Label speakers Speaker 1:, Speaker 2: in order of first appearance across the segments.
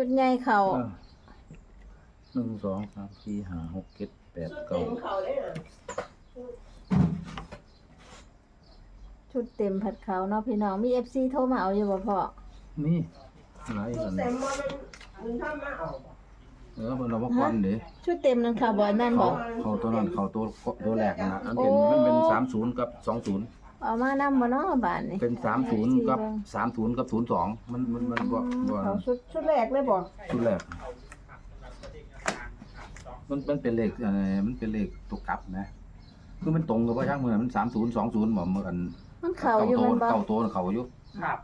Speaker 1: ชุดใหญ่เข้า
Speaker 2: 1 2 3 4 5 6 7 8 9
Speaker 3: เขาเลยน่ะ
Speaker 1: ชุดเต็มผัดเขาเนาะพี่น้องมี FC โทรมาเอาอยู่บ่พ่อ
Speaker 2: นี่หลาย
Speaker 3: ชุ
Speaker 2: กั
Speaker 3: ด
Speaker 2: น
Speaker 3: เต็มบ่มันทำมาเอาบ่
Speaker 2: เพิ่นเอามาก่อนเด้
Speaker 1: ชุดเต็มนั่นค่ะบ่นั่นบ่
Speaker 2: เขาตัวนั้นเขาตัวแรกนะอันเป็นมันเป็น30กับ20
Speaker 1: เอามานำบ่เนาะบาดนี้
Speaker 2: เป็น30กับ30กับ02มันบ่
Speaker 1: เขาชุดแรกเลยบ่
Speaker 2: ชุดแรกมันเป็นเลขมันเป็นเลขตัวกลับนะคือมันตรงกับว่าช่างมือมัน30 20บ่เหมือน
Speaker 1: มันเข้าอยู่มันบ่
Speaker 2: เก่าโตเขาอยู่
Speaker 4: ครับ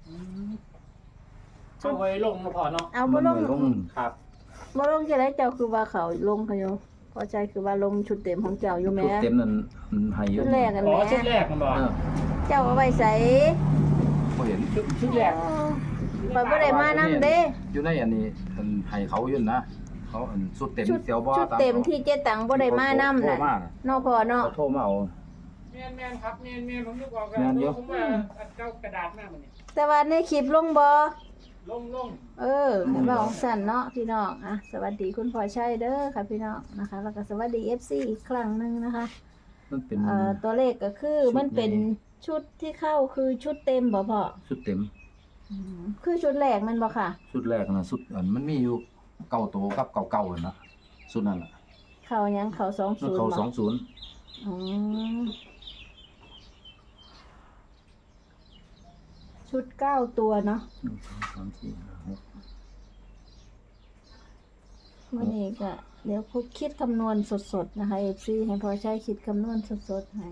Speaker 4: เอาไว้ลงมาพอเนาะ
Speaker 1: เอาบ่ลง
Speaker 2: ลง
Speaker 4: ครับ
Speaker 1: บ่ลงจะได้เจ้าคือว่าเขาลงเขาอยู่พอใจคือว่าลงชุดเต็มของเจ้าอยู่แหม
Speaker 2: ชุดเต็มนั่นให้อยู่
Speaker 1: ชุดแรกกัน
Speaker 4: อ๋
Speaker 1: แห
Speaker 4: อ
Speaker 1: ม
Speaker 4: ชุดแรกมันบอก
Speaker 1: เจ้าเอาไว้ใส่
Speaker 2: บ่เห็น
Speaker 4: ชุดแรก
Speaker 1: ข่อยบ่ได้มานำเด้
Speaker 2: อยู่ในอันนี้มันให้เขาอยู่นะเขาอันชุดเต็มเสียวบ่
Speaker 1: ชุดเต็มที่เจ๊ตังบ่ได้มานำน่ะเนาะพ่อเนาะ
Speaker 2: เขาโทรมาเอา
Speaker 4: แม่นครับแม่นผมนึกออกกัน
Speaker 2: แม่นเยอะ
Speaker 4: ผมว่าอันเจ้ากระดาษหน้ามันนี่
Speaker 1: แต่ว่าในคลิปลงบ่
Speaker 4: ลง
Speaker 1: ให้เว้าสั่นเนาะพี่น้องอ่ะสวัสดีคุณพ่อชัยเด้อค่ะพี่น้องนะคะ แล้วก็สวัสดี FC อีกครั้งหนึงนะคะ
Speaker 2: มันเป็น
Speaker 1: ตัวเลขก็คือมันเป็นชุดที่เข้าคือชุดเต็มบ่พ่อ
Speaker 2: ชุดเต็ม
Speaker 1: คือชุดแรกมันบ่ค่ะ
Speaker 2: ชุดแรกนะชุดอันมันมีอยู่เก่าโตกับเก่าๆนะชุดนั้นน่ะ
Speaker 1: เข้ายังเข้า
Speaker 2: มัน
Speaker 1: 20
Speaker 2: เข้า
Speaker 1: บ่
Speaker 2: 20
Speaker 1: อืมชุด9ตัวเนาะ
Speaker 2: 1 2 3 4 5 6
Speaker 1: วันนี้ก็เดี๋ยวคุคิดคำนวณสดๆนะคะ FC ให้พอใช้คิดคำนวณสดๆให้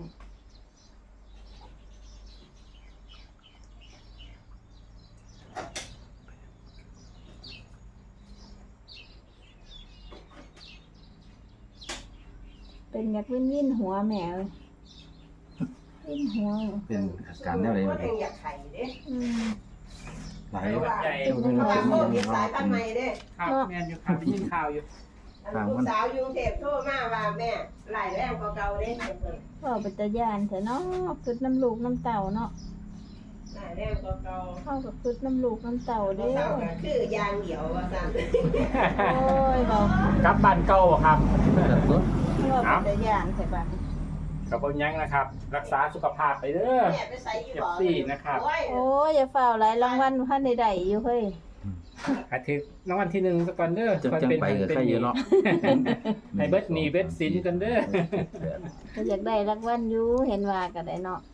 Speaker 1: เป็นอยากวิ่นหัวแหมเลยวิ่นหัว
Speaker 2: เป็นอาการแนวใด
Speaker 3: ค
Speaker 2: บ่
Speaker 3: นเองอยากไข่เด้
Speaker 1: อืม
Speaker 2: หลาย
Speaker 4: ใหญ่
Speaker 3: เพราะว่าโควิดสายพันธุ์ใหม่เด้
Speaker 4: ครับแม่นอยู่ครับได้ยินข่าวอยู่
Speaker 3: อันลูกสาวอยู่กรุงเทพโทรมาว่าแม่หลายแรงกว่าเก่าเด้เพิ่น
Speaker 1: พ่อเป็นตาย่านแต่เนาะคืดน้ำลูกน้ำเต่าเนาะ
Speaker 3: หลายแรงกว่าเก่า
Speaker 1: เข้ากับคืดน้ำลูกน้ำเต่า
Speaker 3: บ่
Speaker 1: เด้
Speaker 3: เศร้าก็คือยางเดียวว่าซั่น
Speaker 1: โอ้ยเรา
Speaker 4: กลับบ้านเก่าครับ
Speaker 1: พ่อเป็นตาย่านแต่บ้าน
Speaker 4: กับผมยังนะครับ รักษาสุขภาพไปเด้อ
Speaker 3: แม่ไปใส่อยู่บ่
Speaker 4: เจ็บซี่นะครับ
Speaker 1: โอ้ยอย่าฝ่าหลายรางวัลพันใดๆอยู่เฮ้ย
Speaker 4: อาทิตย์รางวัลที่1ซะก่อนเด้อ
Speaker 2: จังไปกับใครอยู่เนาะ
Speaker 4: ให้เบิดหนี้เบิดสินกันเด้อ
Speaker 1: ก็อยากได้รางวัลอยู่เห็นว่าก็ได้เนาะ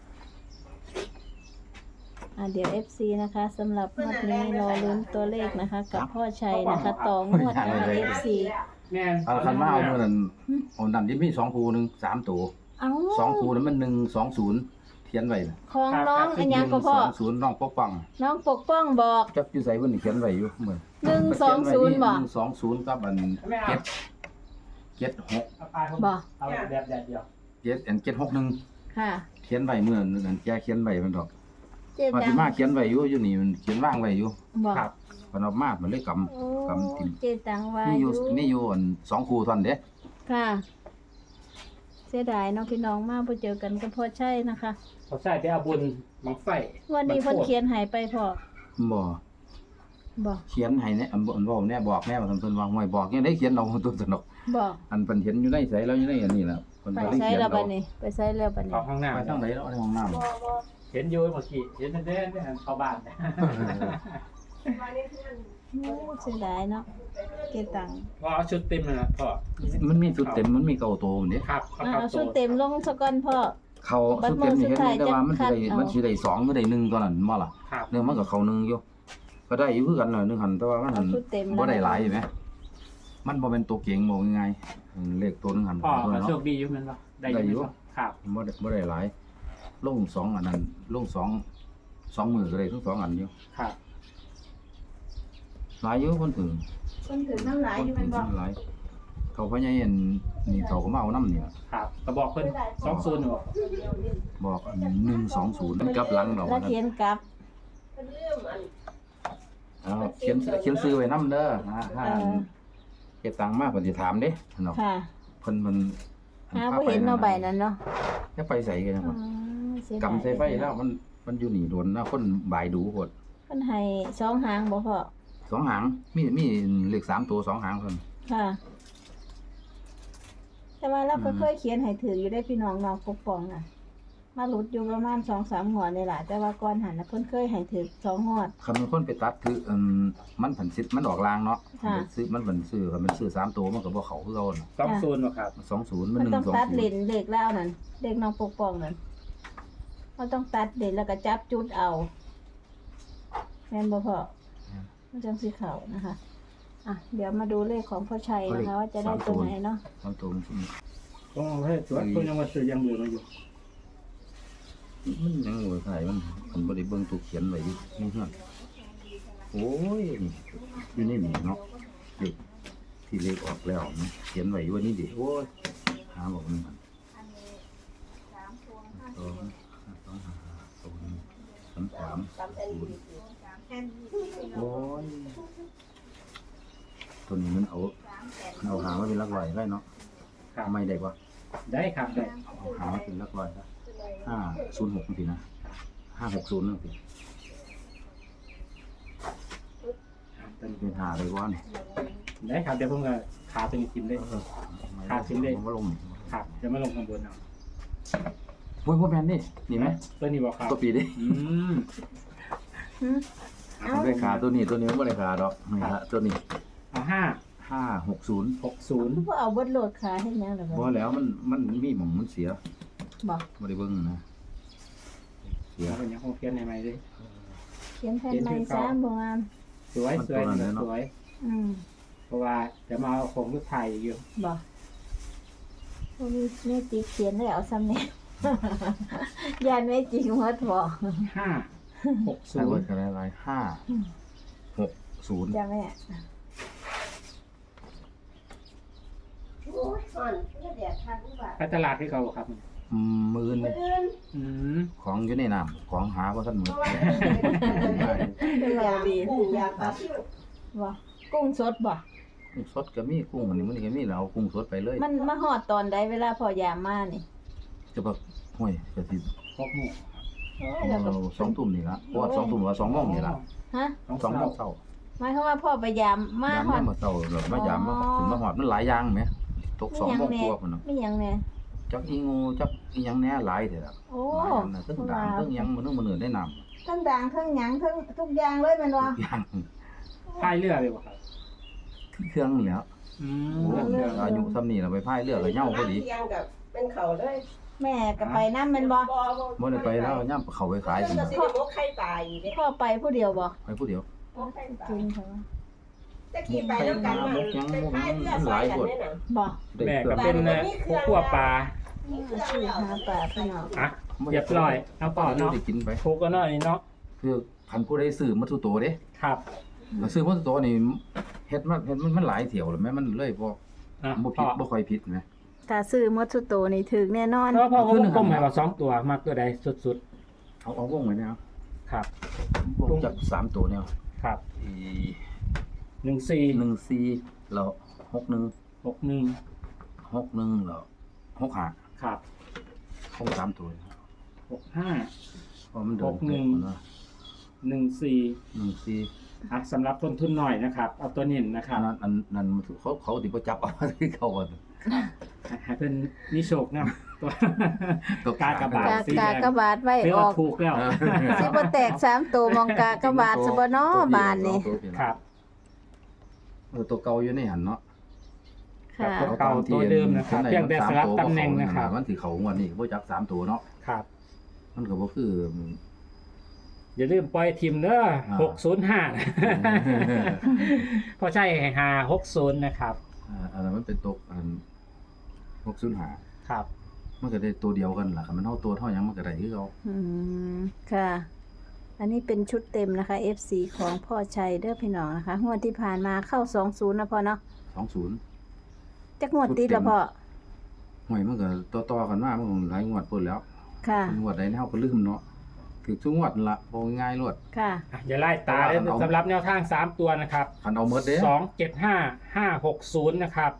Speaker 1: เดี๋ยว FC นะคะสำหรับงวดนี้รอลุ้นตัวเลขนะคะ กับพ่อชัยนะคะต่องวดนะคะ FC
Speaker 4: แม่น
Speaker 2: เอาคันมาเอามื้อนั้นเอานั่นที่มี2คู่หนึง3ตัว
Speaker 1: เอ้า
Speaker 2: 2คู่นั้นมัน120เขียนไว้น่ะ
Speaker 1: ของน้องอันยังก็พ่อ
Speaker 2: 120น้องปกป้อง
Speaker 1: น้องปกป้องบอก
Speaker 2: จักอยู่ไสเพิ่นเขียนไว้อยู่เหมือน
Speaker 1: 120บ่
Speaker 2: 120กับอัน
Speaker 4: ไม่เอา
Speaker 2: 76
Speaker 4: เอาปลาผม
Speaker 1: บ่
Speaker 4: เอาแบบแดดเดียว
Speaker 2: 761
Speaker 1: ค่ะ
Speaker 2: เขียนไว้มื้อนั้นแกเขียนไว้มันดอก
Speaker 1: เจ๊
Speaker 2: ว่า
Speaker 1: ตั
Speaker 2: สิ
Speaker 1: ง
Speaker 2: มาเขียนไว้อยู่นี่มันเขียนวางไว้อยู่
Speaker 1: บอก
Speaker 4: ครับ
Speaker 2: เพิ่นเอามามันเลยกำ
Speaker 1: โอ้
Speaker 2: กำทิ่ม
Speaker 1: เจ๊ตังว่า
Speaker 2: นี่
Speaker 1: อ
Speaker 2: อยู่ ยู่นี่อยู่อัน2คู่เท่านั้นเด้
Speaker 1: ค่ะ เสียดายเน้องพี่น้องมากพอเจอกันก็พอใช่นะคะ
Speaker 4: เขาใส่ไปเอาบุญบังไฟ
Speaker 1: วันนี้เพิ่นเขียนหายไปพอ
Speaker 2: บ่
Speaker 1: บอก
Speaker 2: เขียนให้เนี่ยอันบ่แน่บอกแน่ว่าเพิ่นว่าห่วยบอกยังได้เขียนเอาตัวสนุก
Speaker 1: บอก
Speaker 2: อันเพิ่นเห็นอยู่ในไสแล้วอยู่ในอันนี้ล่ะเพิ่น
Speaker 1: ไป
Speaker 2: ก็เลย
Speaker 1: ใช้
Speaker 2: เขียน
Speaker 1: แล้ว
Speaker 2: เอา
Speaker 1: บัดนี้ ไปใช้แล้วบัดนี้
Speaker 4: เข้าห้องน้ำ
Speaker 2: ไปทางไหนเนาะในห้องน้ำ
Speaker 4: เห็นอยู่เมื่อกี้เห็นเด่นๆเข้าบ้าน
Speaker 1: โอ้เสียดายเนาะเจ๊ตัง
Speaker 4: พอเอาชุดเต็มเลยนะพ่อ
Speaker 2: มันมีชุดเต็มมันมีเก่าโตมันเด้
Speaker 4: ครับเขา
Speaker 1: เอา
Speaker 4: เข้า
Speaker 1: ชุด
Speaker 4: โต
Speaker 1: เต็มลงสะก่อนพ่อ
Speaker 2: เขาชุดเต็มนี่เห็นอยู่แต่ว่ามันสิได้
Speaker 1: เอามั
Speaker 2: มันสิได้2ก็ได้1ตัวนั้นบ่ล่ะ
Speaker 4: ครับ
Speaker 2: เนื่องมันก็เข้า1อยู่ก็ได้อยู่คือกันน่ะนึงหันแต่ว่ามันหัน
Speaker 1: เอาชุดเต็ม
Speaker 2: บ่ได้หลายอยู่แหมมันบ่เป็นตัวเก่งบ่ง่ายๆเลขตัวนึงหัน
Speaker 4: พ่อ
Speaker 2: ตัว
Speaker 4: ก็
Speaker 2: เนาะ
Speaker 4: โชคดีอยู่แมันบ่ได้
Speaker 2: ได้อยู่
Speaker 4: อยู่ครับ
Speaker 2: บ่ได้หลายลง2อันนั้นลง2มือก็ได้ทั้ง2อันอยู่
Speaker 4: ครับ
Speaker 2: หลายอยู่คนถึง
Speaker 1: คนถึงน้ำลายอยู่แมันบอก
Speaker 2: หลายเขาพญาเห็นนี่เขาก็มาเอาน้ำนี่ล่ะ
Speaker 4: ครับก็บอกเพิ่น20บ่
Speaker 2: บอก120มันกลับหลังดอก
Speaker 1: แล้วเขียนกลับ
Speaker 3: เพิ่นลืมอัน
Speaker 2: เอาเขียนซื้อไว้นำเด้อนะถ้าเก็บตังค์มาเพิ่นสิถามเด้เนาะ
Speaker 1: ค่ะ
Speaker 2: เพิ่นมัน
Speaker 1: หาบ่เห็นเนาะใบนั้นเนาะ
Speaker 2: จะไปใส่กันจัง
Speaker 1: อื
Speaker 2: วะ
Speaker 1: มเสียดาย
Speaker 2: กำใส่ไฟแล้วมันอยู่นี่โดนนะคนบ่ายดูโพด
Speaker 1: เพิ่นให้2หางบ่พ่อ
Speaker 2: 2 หางมีเลข3ตัว2 หางเพิ่น
Speaker 1: ค่ะ แต่ว่าเราก็เคยเขียนให้ถืออยู่ได้พี่น้องปกป้องน่ะ มาหลุดอยู่ประมาณ2-3 งวดนี่แหละแต่ว่าก่อนหันน่ะเพิ่นเคยให้ถือ2 งวด
Speaker 2: คันมันคนไปตัดคือมันผันสิมันออกลางเนาะ
Speaker 1: ค่ะ
Speaker 2: ซื้อมันผันซื้อคันมันซื้อ3ตัวมันก็บ่เข้าคือเก่าน่ะ
Speaker 4: 20บ่ครับ
Speaker 2: 20
Speaker 1: มั
Speaker 2: มัน น
Speaker 1: ต้องตัดเลน
Speaker 2: 120
Speaker 1: เลขแล้วนั่นเลขน้องปกป้องนั่นเราต้องตัดเลนแล้วก็จับจุดเอาแม่นบ่พ่อมันจังสิเข้านะคะอ่ะเดี๋ยวมาดูเลขของพ่อชัยนะคะว่าจะได้ตัวไหนเนาะ
Speaker 2: 3ตัวมันสิ
Speaker 4: ต้องเอาให้ตรวจเพิ่นยังว่าซื้อยังเหลือมาอยู่
Speaker 2: มันยังบ่ใส่มันบ่ได้เบิ่งตัวเขียนไว้อยู่นี่เฮือนโอ้ยอยู่ในนี่เนาะเลขที่เลขออกแล้วนะเขียนไว้อยู่ว่านี่ดิโอ้ยหาบอกมัน2 โอ้ยตัวนี้มันเอาหางมาเป็นหลักร้อยได้เนาะ
Speaker 4: ครับ
Speaker 2: ทำไมได้วะ
Speaker 4: ได้ครับได้
Speaker 2: เอาหางมาเป็นหลักร้อยนะ506นี่สินะ560นั่นสิเป็นหาเลยวะนี่
Speaker 4: ได้ครับเดี๋ยวผมก็ขาตัวนี้ทิมได้ ขาดชิ้นเล็ก
Speaker 2: ผมว่าลง
Speaker 4: ครับเดี๋ยวมาลงข้างบนเอา
Speaker 2: โอ้ยพ่อแมนนี่นี่ไหม
Speaker 4: ตัวนี้บ่ครับ
Speaker 2: ตัวปีดิ
Speaker 4: อืม
Speaker 1: หืม
Speaker 2: มันได้ขาตัวนี้มันไม่ได้ขาดอกนี่ฮะตัวนี้
Speaker 4: เอา
Speaker 2: 560
Speaker 4: 560
Speaker 1: บ่เอาเบิดโหลดขาเฮ็ดหยังล่ะ
Speaker 2: เพ
Speaker 1: บ่
Speaker 2: ราะแล้วมันมีหม่องมันเสีย
Speaker 1: บ่
Speaker 2: ไม่ได้เบิ่งนะเสีย
Speaker 4: แล้วเป็นยังคงเขียนใหม่ๆเลย
Speaker 1: เขียนแผ่นไม้ซ้ำบ่งาม
Speaker 4: สวยสวยสวย
Speaker 1: อืม
Speaker 4: เพราะว่าจะมาเอาของลูกไทยอยู่
Speaker 1: บ่บ่มีแม่จิกเขียนได้เอาซ้ำนี่ ยานแม่จิกหมดบ่
Speaker 4: 560
Speaker 2: ใส่ไว้กันอะไร560
Speaker 1: จ้ะแม่
Speaker 3: โอ้ยอ่อนเพื่อแดดทางอุบาท
Speaker 4: ไปตลาดที่เขาบ่ครับ
Speaker 2: มื้ออื่น
Speaker 3: มื้ออื่น
Speaker 4: อืม
Speaker 2: ของอยู่ในน้ำของหาบ่ทันหม
Speaker 3: เพ
Speaker 2: ด
Speaker 3: ราะว่า
Speaker 1: เป็นเราดี
Speaker 3: กุ้งอยากปลาซิว
Speaker 1: บ่กุ้งสดบ่
Speaker 2: กุ้งสดก็มีกุ้งอันนี้มันก็มีแล้วเอากุ้งสดไปเลย
Speaker 1: มันมาฮอดตอนใดเวลาพอยามมานี่
Speaker 2: จะแบบห้วยก็สิ
Speaker 4: 6 หมู่
Speaker 1: โอ้ยแล้วก็
Speaker 2: 2 ทุ่มนี่ละเพราะว่า2 ทุ่มว่า2 โมงนี่ละ
Speaker 1: ฮะ
Speaker 2: 2 โมงเช้า
Speaker 1: หมายความว่าพ่อไปยามมาย
Speaker 2: าม
Speaker 1: ฮอด
Speaker 2: มาเช้าแบบมายามมาถึงมาฮอดมันหลายอย่างแหมตก2 โมงกว่าพุ่นน่ะ
Speaker 1: มีหยังแน่
Speaker 2: จักอีงูจักอีหยังแหน่หลายเด้อ
Speaker 1: โอ้
Speaker 2: หลายอันน่ะทั้งด่างทั้งหยังมันมื้อได้น้ำ
Speaker 1: ทั้งด่างทั้งหยังทั้งทุกอย่างเลยแม่นบ่
Speaker 2: ทุกอย่าง
Speaker 4: พายเรือเลยบ่ครับ
Speaker 2: เครื่องนี่แหล้ว
Speaker 4: อื
Speaker 2: โอ้
Speaker 4: ม
Speaker 2: อายุซ้ำนี่ล่ะไปพายเรือก็เหย้าพอดี
Speaker 3: เที่ยงกับเป็นเขาเลย
Speaker 1: แม่ก็ไปนำแม่นบ่
Speaker 2: บ่ได้ไปแล้วย่ํเข้าไปขาย
Speaker 3: มั
Speaker 2: พุ่
Speaker 3: น
Speaker 2: น
Speaker 3: ก็
Speaker 2: น่ะ
Speaker 3: สิได้มกไข่ปลาอีกเด้
Speaker 1: พ่อไปผู้เดียวบ่
Speaker 2: ไปผู้เดียว
Speaker 3: มกไข่ปลา
Speaker 1: จริงค่ะ
Speaker 3: ตะกี้ไปแล้วกันมันไปพายเรือซอยกันเนี่ยน่ะ
Speaker 1: บ่
Speaker 2: ได้
Speaker 4: แม่
Speaker 2: เครื่
Speaker 4: ก็
Speaker 2: อง
Speaker 4: เป็นผู้ขัวปลา
Speaker 3: มีเครื่อง
Speaker 1: ชื่อ
Speaker 3: แล้ว
Speaker 1: หาปลาพี่น้อง
Speaker 4: อ่ะเรียบร้อยเอาต่อเนาะ
Speaker 2: ได้กินไป
Speaker 4: ถูกก็เนาะนี่เนาะ
Speaker 2: คือคันผู้ใดซื้อมาทุโตเด้
Speaker 4: ครับ
Speaker 2: ถ้าซื้อมาทุโตนี่เฮ็ดมันหลายเที่ยวแล้วแม่มันเลยบ่
Speaker 4: อ่ะ
Speaker 2: บ่
Speaker 4: พ
Speaker 2: ผิ
Speaker 4: อ
Speaker 2: ดบ่ค่อยผิดนะ
Speaker 1: ถ้าซื้อหมดสุดโตนี่ถึกแน่นอน
Speaker 4: เพราะพ่อก็ก้มให้ว่า2 ตัวมากตัวใดสุด
Speaker 2: เอาวงไว้แนว
Speaker 4: ๆครับ
Speaker 2: วงจับ3ตัวแนว
Speaker 4: ครับ
Speaker 2: อี
Speaker 4: 14
Speaker 2: 14แล้ว61
Speaker 4: 61
Speaker 2: 61แล้ว65
Speaker 4: ครับ
Speaker 2: คง3ตัว
Speaker 4: 65
Speaker 2: เพราะมันเดิน
Speaker 4: 61
Speaker 2: นะ
Speaker 4: 14
Speaker 2: 14
Speaker 4: อ่ะสำหรับต้นทุนหน่อยนะครับ เอาตัวเน้นนะค
Speaker 2: อั
Speaker 4: รั
Speaker 2: น
Speaker 4: บ
Speaker 2: นั้นเขาสิบ่จับเอา ที่เขาว่า
Speaker 4: ให้เป็นนิโชคนะตัว
Speaker 2: ตัว
Speaker 4: กากบาท
Speaker 1: กากากบาทไว้
Speaker 4: เรียก
Speaker 1: อ
Speaker 4: ว่า
Speaker 1: อก
Speaker 4: ถูกแล้ว
Speaker 1: สิบ่แตก3ตัวมองกากบาทซะบ่น้อบานนี่
Speaker 4: ครับ
Speaker 2: ตัวเก่าอยู่ในหันเนาะ
Speaker 1: ค่ะ
Speaker 4: เก่าตัวเดิมนะครับเพียงแต่สลับตำแหน่งนะครับ
Speaker 2: มันสิเข้างวดนี้บ่จัก3ตัวเนาะ
Speaker 4: ครับ
Speaker 2: มันก็บ่คือ
Speaker 4: อย่าลืมปล่อยทีมเด้อ 605พอใช่ให้560นะครับ
Speaker 2: อันนั้นมันเป็นตก605
Speaker 4: ครับ
Speaker 2: มันก็ได้ตัวเดียวกันล่ะคันมันเฮาตัวเท่าหยังมันก็ได้คือเก่า
Speaker 1: อืมค่ะ อันนี้เป็นชุดเต็มนะคะ FC ของพ่อชัยเด้อพี่น้องนะคะงวดที่ผ่านมาเข้า20นะพ่อเนาะ
Speaker 2: 20
Speaker 1: จักงวดติดแล้วพ่อ
Speaker 2: ห่วยมันก็ต่อๆกันมามันหลายงวดพุ่นแล้ว
Speaker 1: ค่ะ
Speaker 2: งวดใดเฮาก็ลืมเนาะคือทุกงวดนั่นล่ะบ่ง่ายๆรวด
Speaker 1: ค่ะ
Speaker 4: อ่ะอย่าไล่ตาเลยสำหรับแนวทาง3ตัวนะครับ
Speaker 2: คันเอาหมดเด้
Speaker 4: 275560นะครับ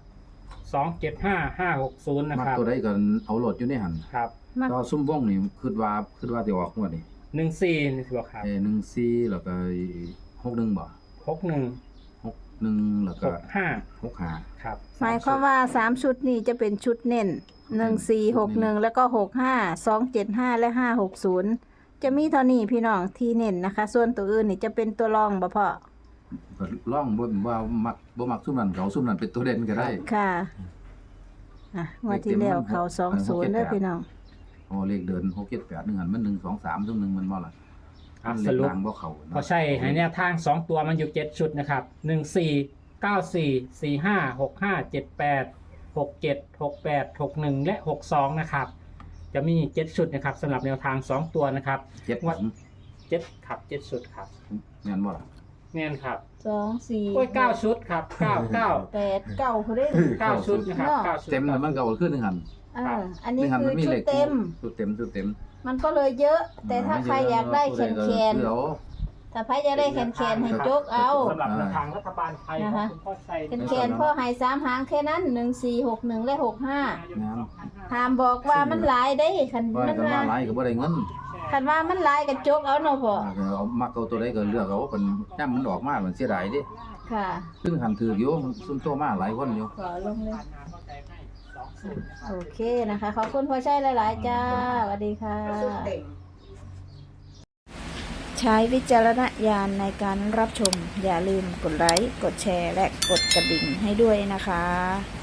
Speaker 4: 275560นะ
Speaker 2: มัก
Speaker 4: ครับ
Speaker 2: ตัวใดก็เอาโหลดอยู่ในหัน
Speaker 4: ครับ
Speaker 1: มัก
Speaker 2: ก็ซุ่มวงนี่คิดว่าสิออกงวดนี้
Speaker 4: 14นี่สิบ่ครับ
Speaker 2: 14แล้วก็61บ่
Speaker 4: 61
Speaker 2: 61แล้วก็
Speaker 4: 65
Speaker 2: 65
Speaker 4: ครับ
Speaker 1: หมายความว่า3ชุดนี้จะเป็นชุดเน้น1461แล้วก็65 275และ560จะมีเท่านี้พี่น้องที่เน้นนะคะ ส่วนตัวอื่นนี่จะเป็นตัวรองบ่พ่อ
Speaker 2: ก็ล่องว่ามักบ่มักซุ่มนั้นเขาซุ่มนั้นเป็นตัวเด่นก็ได้
Speaker 1: ค่ะงวดที่แล้วเขา20เด้อพี่น้อง
Speaker 2: อ๋อเลขเดิน6 7 8 1หันมัน1 2 3ซุ่มนึงมันบ่ล่ะ
Speaker 4: ครับ
Speaker 2: เล
Speaker 4: ส
Speaker 2: ข
Speaker 4: รุป
Speaker 2: ล่างบ่เข้า
Speaker 4: พอใช่ให้แนวทาง 2 ตัวมันอยู่ 7 ชุดนะครับ 14 94 45 65 78 67 68 61 และ 62 นะครับ จะมี 7 ชุดนะครับสำหรับแนวทาง 2 ตัวนะครับ
Speaker 2: 7
Speaker 4: วัด 7ครับ7ชุดครับ
Speaker 2: แม่นบ่ล่ะ
Speaker 4: แน่นครับ
Speaker 1: 2 4
Speaker 4: โอ้ย9ชุดครับ9 9
Speaker 1: 8 9เขาได้
Speaker 4: 9ชุดนะครับ9ชุด
Speaker 2: เต็มแล้วมันก็เอาขึ้น1หัน
Speaker 1: อันนี้
Speaker 2: 1หัน
Speaker 1: คื
Speaker 2: มั
Speaker 1: อน
Speaker 2: มี
Speaker 1: ชุ
Speaker 2: เล
Speaker 1: ด
Speaker 2: ข
Speaker 1: เต็ม
Speaker 2: ชุดเต็ม
Speaker 1: มันก็เลยเยอะ แต่ถ้าใครอยากได้แคนแคน
Speaker 2: เดี๋ยว
Speaker 1: ถ้าใครอยากได้แคนแคนให้โจกเอา
Speaker 4: สำหรับแนวทางรัฐบาลไทยของคุณพ่อชัย
Speaker 1: แคนแคนพ่อให้3หางแค่นั้น1461และ65ห้ามบอกว่ามันหลายได้คัน
Speaker 2: ว่า
Speaker 1: มัน
Speaker 2: กัน
Speaker 1: ว่า
Speaker 2: ว่าหลายก็บ่ได้เงิน
Speaker 1: คันว่ามันหลายก็โจกเอาเนาะพ่อ
Speaker 2: เอามักเอาตัวใดก็เลือกเอาเป็นย่ำมันออกมามันเสียดายเดิ
Speaker 1: ค่ะ
Speaker 2: ซึ่งหันถืออยู่ซุ่มโตมาหลายคนอยู่
Speaker 1: ขอลงเลยโอเคนะคะขอบคุณพ่อชัยหลายๆจ้าสวัสดีค่ะ
Speaker 3: ชุดเต็ม
Speaker 1: ใช้วิจารณญาณในการรับชม อย่าลืมกดไลค์ กดแชร์ และกดกระดิ่งให้ด้วยนะคะ